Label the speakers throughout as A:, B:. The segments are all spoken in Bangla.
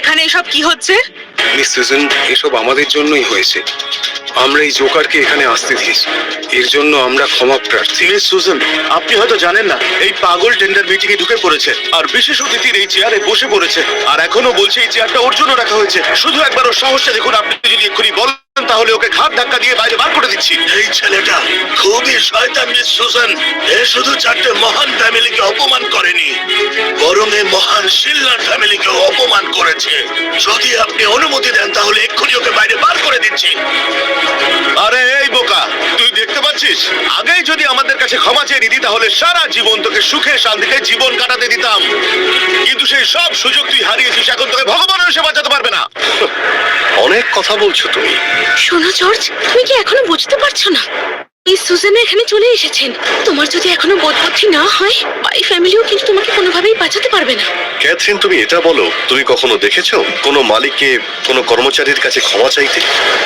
A: এখানে এসব কি হচ্ছে?
B: মিস সুজান, এসব আমাদের জন্যই হয়েছে। আমরা এই জোকারকে এখানে আসতে দিয়েছি, এর জন্য আমরা ক্ষমা প্রার্থী।
C: মিস সুজান, আপনি হয়তো জানেন না এই পাগল টেন্ডার মিটিং এ ঢুকে পড়েছে আর বিশেষ অতিথির এই চেয়ারে বসে পড়েছে, আর এখনো বলছে এই চেয়ারটা ওর জন্য রাখা হয়েছে। শুধু একবার ওর সাহসটা দেখুন। আপনি যদি এক্ষুনি বলেন তাহলে ওকে ঘাট ধাক্কা দিয়ে বাইরে বার করে দিচ্ছি।
D: এই ছেলেটা খুবই শয়তান মিস সুজান। এ শুধু 4টে মহান ফ্যামিলিকে অপমান করেনি, বরং এই মহান শিল্লার ফ্যামিলিকে অপমান করেছে। যদি আপনি অনুমতি দেন তাহলে এক্ষুনি ওকে বাইরে বার করে দিচ্ছি।
C: আরে এই বোকা, তুই দেখতে পাচ্ছিস, আগেই যদি আমাদের কাছে ক্ষমা চেয়ে নিতি তাহলে সারা জীবন তোকে সুখে শান্তিতে জীবন কাটাতে দিতাম, কিন্তু সেই সব সুযোগ তুই হারিয়েছিস। এখন তোকে ভগবানের এসে বাঁচাতে পারবে না।
E: অনেক কথা বলছো তুমি।
A: শোনো জর্জ, তুমি কি এখনো বুঝতে পারছো না? এই সুজান এখানে চলে এসেছেন। তোমার যদি এখনো বোধবুদ্ধি না হয়, বাই ফ্যামিলিও কিন্তু তোমাকে কোনোভাবেই বাঁচাতে পারবে না।
E: ক্যাথরিন, তুমি এটা বলো, তুমি কখনো দেখেছো কোনো মালিককে কোনো কর্মচারীর কাছে ক্ষমা চাইতে?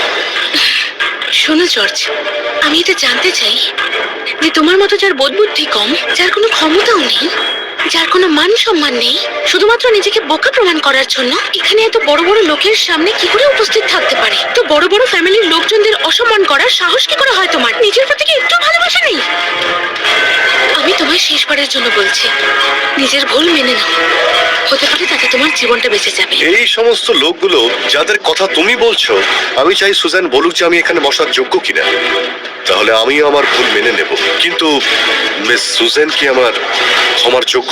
A: শোনো জর্জ, আমি এটা জানতে চাই যে তোমার মতো যার বোধবুদ্ধি কম, যার কোনো ক্ষমতাও নেই, যার কোনো মান সম্মান নেই, শুধুমাত্র নিজেকে বোকা প্রমাণ করার জন্য এখানে এত বড় বড় লোকের সামনে কি করে উপস্থিত থাকতে পারে? তো বড় বড় ফ্যামিলির লোকজনদের অসম্মান করার সাহস কি করে হয় তোমার? নিজের প্রতি কি একটু ভালোবাসা নেই? আমি তোমায় শেষবারের জন্য বলছি, নিজের ভুল মেনে নাও। হতে পারে তাতে তোমার জীবনটা বেঁচে যাবে।
E: এই সমস্ত লোকগুলো যাদের কথা তুমি বলছো, আমি চাই সুজান বলুক যে আমি এখানে বসার যোগ্য কিনা, তাহলে আমিও আমার ভুল মেনে নেব। কিন্তু মিস সুজান কি আমার ক্ষমার যোগ্য?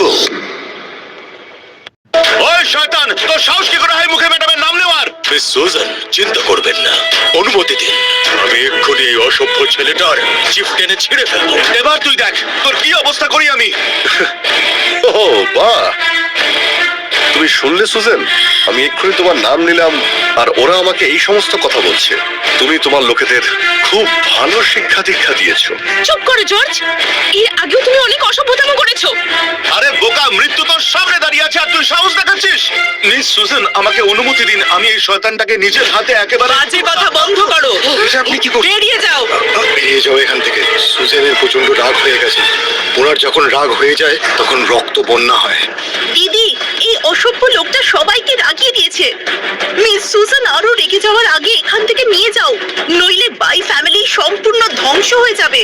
C: ওই শয়তান, তোর সাহস কি করে হয় মুখে ম্যাডামের নাম নেওয়ার?
D: মিস সুজান, চিন্তা করবেন না, অনুমতি দিন। আমি এক্ষুনি এই অসভ্য ছেলেটার চিফ টেনে ছিঁড়ে ফেলবো।
C: এবার তুই দেখ তোর কি অবস্থা করি আমি।
E: ও বাহ, তুমি শুনলে সুজান? আমি এক্ষুনি তোমার নাম নিলাম আর ওরা আমাকে এই সমস্ত কথা বলছে। তুমি তোমার লোকেদের খুব ভালো শিক্ষা দীক্ষা দিয়েছো।
A: চুপ করো জর্জ, এর আগেও তুমি অনেক অসভ্যতাম করেছো।
C: আরে বোকা, মৃত্যু তোর সামনে দাঁড়িয়ে আছে আর তুই সাহস দেখাচ্ছিস? মিস সুজান, আমাকে অনুমতি দিন, আমি এই শয়তানটাকে নিজের হাতে একেবারে।
A: বাজে কথা বন্ধ করো।
B: এটা আপনি কি করছেন?
A: বেরিয়ে যাও।
B: বেরিয়ে যাও এখান থেকে। সুজানের প্রচন্ড রাগ হয়ে গেছে। ওনার যখন রাগ হয়ে যায় তখন রক্ত বন্যা হয়।
F: দিদি, এই অসভ্য লোকটা সবাইকে রাগিয়ে দিয়েছে। মিস সুজান আরো রেগে যাওয়ার আগে এখান থেকে নিয়ে যাও, নইলে বাই ফ্যামিলি সম্পূর্ণ ধ্বংস হয়ে যাবে।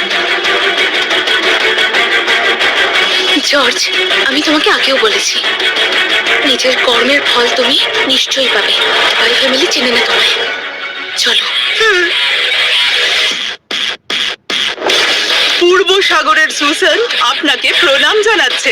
A: জর্জ, আমি তোমাকে আগেও বলেছি, নিজের কর্মের ফল তুমি নিশ্চয়ই পাবে। বাই ফ্যামিলি চেনে না তোমায়। চলো।
F: পূর্ব সাগরের সুজান আপনাকে প্রণাম জানাচ্ছে।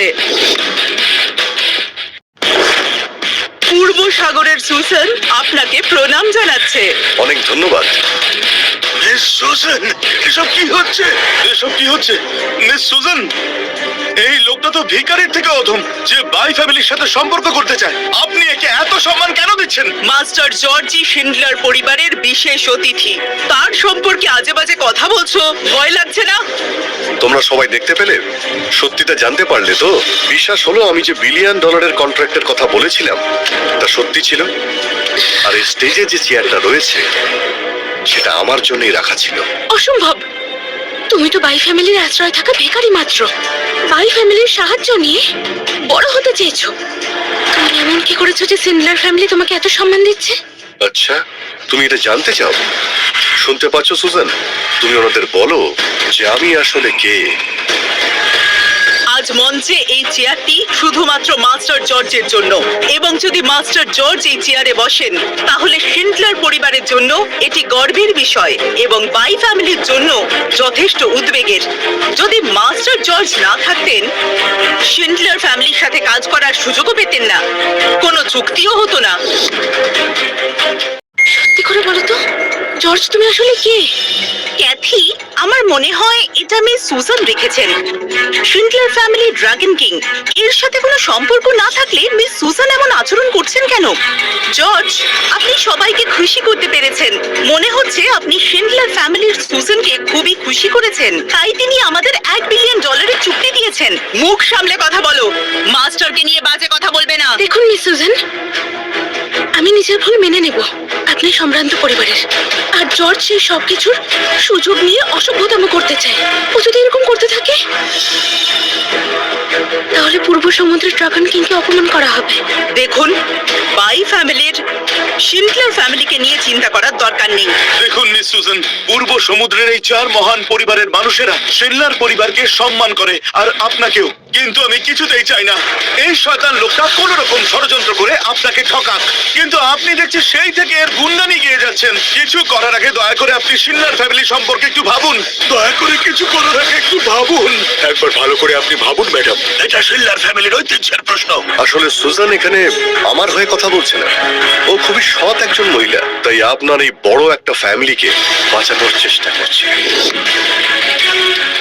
F: পূর্ব সাগরের সুজান আপনাকে প্রণাম জানাচ্ছে।
E: অনেক ধন্যবাদ।
C: মিস সুজান, এসব কি হচ্ছে? এসব কি হচ্ছে মিস সুজান? এই লোকটা তো ভিখারির থেকে অধম, যে বাই ফ্যামিলির সাথে সম্পর্ক করতে চায়। আপনি একে এত সম্মান কেন দিচ্ছেন?
F: মাস্টার জর্জি শিন্ডলার পরিবারের বিশেষ অতিথি, তার সম্পর্কে আজে বাজে কথা বলছো, ভয় লাগছে না?
E: তোমরা সবাই দেখতে পেলে? সত্যিটা জানতে পারলে তো? বিশ্বাস হলো আমি যে $1 বিলিয়ন কন্ট্রাক্টের কথা বলেছিলাম তা সত্যি ছিল। আর এই স্টেজে যে চেয়ারটা রয়েছে সেটা আমার জন্যই রাখা ছিল।
A: অসম্ভব। তুমি তো বাই ফ্যামিলির আশ্রয় থাকা ভিখারি মাত্র। বাই ফ্যামিলির সাহায্য নিয়ে বড় হতে চেয়েছো। তুমি এমন কি করেছো যে শিন্ডলার ফ্যামিলি তোমাকে এত সম্মান দিচ্ছে?
E: আচ্ছা, তুমি এটা জানতে চাও? শুনতে পাচ্ছ সুজান? তুমি ওনাদের বলো যে আমি আসলে কে।
F: আজ মঞ্চে এই চেয়ারটি শুধুমাত্র মাস্টার জর্জের জন্য, এবং যদি মাস্টার জর্জ এই চেয়ারে বসেন তাহলে শিন্ডলার পরিবারের জন্য এটি গর্বের বিষয় এবং বাই ফ্যামিলির জন্য যথেষ্ট উদ্বেগের। যদি মাস্টার জর্জ না থাকতেন, শিন্ডলার ফ্যামিলির সাথে কাজ করার সুযোগও পেতেন না, কোনো চুক্তিও হতো না।
A: সত্যি করে বলো তো, জর্জ তুমি আসলে কে?
F: ক্যাথি, আমার মনে হয় এটা মিস সুজান রেখেছেন। শিন্ডলার ফ্যামিলি ড্রাগন কিং, এর সাথে কোনো সম্পর্ক না থাকলে মিস সুজান এমন আচরণ করছেন কেন? জর্জ, আপনি সবাইকে খুশি করতে পেরেছেন। মনে হচ্ছে আপনি শিন্ডলার ফ্যামিলির সুজানকে খুবই খুশি করেছেন, তাই তিনি আমাদের $1 বিলিয়ন চুক্তি দিয়েছেন। মুখ সামলে কথা বলো, মাস্টারকে নিয়ে বাজে কথা বলবে না।
A: দেখুন মিস সুজান, আমি নিজের ভুল মেনে নেব। আপনি সম্ভ্রান্ত পরিবারের, আর জর্জ সেই সবকিছুর সুযোগ নিয়ে অসভ্যতাম করতে চায়। ও যদি এরকম করতে থাকে তাহলে তাহলে পূর্ব সমুদ্রের ড্রাগন কিংকে অপমান করা হবে।
F: দেখুন, বাই ফ্যামিলির শিন্ডলার ফ্যামিলিকে নিয়ে চিন্তা করার দরকার নেই।
C: দেখুন মিস সুজান, পূর্ব সমুদ্রের এই 4 মহান পরিবারের মানুষেরা শিনলার পরিবারকে সম্মান করে, আর আপনাকেও। কিন্তু আমি কিছুতেই চাই না এই শয়তান লোকটা কোন রকম ষড়যন্ত্র করে আপনাকে ঠকাক। কিন্তু আপনি দেখছি সেই থেকে এর গুণগানি গিয়ে যাচ্ছেন। কিছু করার আগে দয়া করে আপনি শিনলার ফ্যামিলি সম্পর্কে একটু ভাবুন। দয়া করে কিছু করার আগে একটু ভাবুন।
E: একবার ভালো করে আপনি ভাবুন ম্যাডাম।
D: এটা শিল্লার ফ্যামিলির ঐতিহ্যের প্রশ্ন।
E: আসলে সুজান এখানে আমার হয়ে কথা বলছে না। ও খুবই সৎ একজন মহিলা, তাই আপনার এই বড় একটা ফ্যামিলিকে বাঁচানোর চেষ্টা করছে।